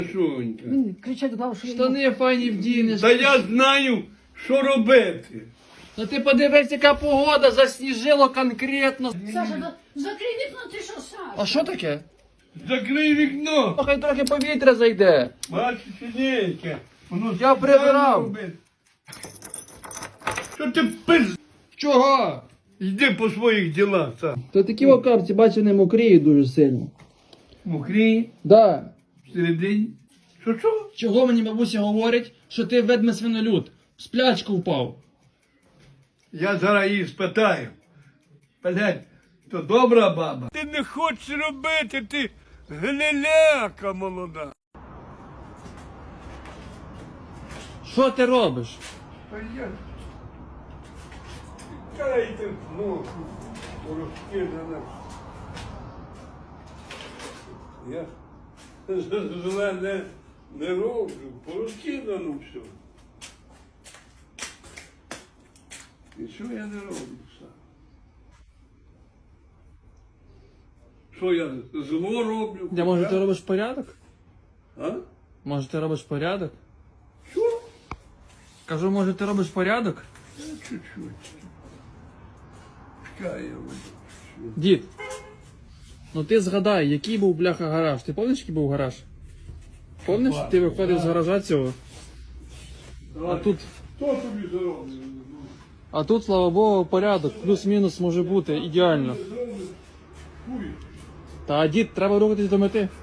Шонька. Він кричать, глав, що Штани файні вдінеш. Та я знаю, що робити. Та ти подивись, яка погода, засніжило конкретно. Саша, закрий вікно, ти що, Саша? А що таке? Закрий вікно. Хай трохи повітря зайде. Бачиш, синеньке. Воно Я прибирав. робить. Що ти пиз? Чого? Йди по своїх ділах, сам. То такі окапці, бачу, не мокріють дуже сильно. Мокрій, Да. всередині. Що? Чого мені бабуся говорить, що ти ведме свинолюд? В сплячку впав. Я зараз її спитаю. Блядь, то добра баба. Ти не хочеш робити, ти гниляка молода. Що ти робиш? А я... Кайте ногу, розкидана. Я зле не роблю, порозкидано все. І що я не роблю сам? Що я зло роблю? Я, може, ти робиш порядок? А? Може, ти робиш порядок? Що? Кажу, може, ти робиш порядок? Чуть-чуть. Чекай, я буду. Дід, ну ти згадай, який був бляха гараж. Ти пам'ятаєш, який був гараж? Пам'ятаєш, ти виходив з гаража цього? А тут, Хто тобі заробив? а тут, слава Богу, порядок. Плюс-мінус може бути, ідеально. Хуй. Та, дід, треба рухатись до мети.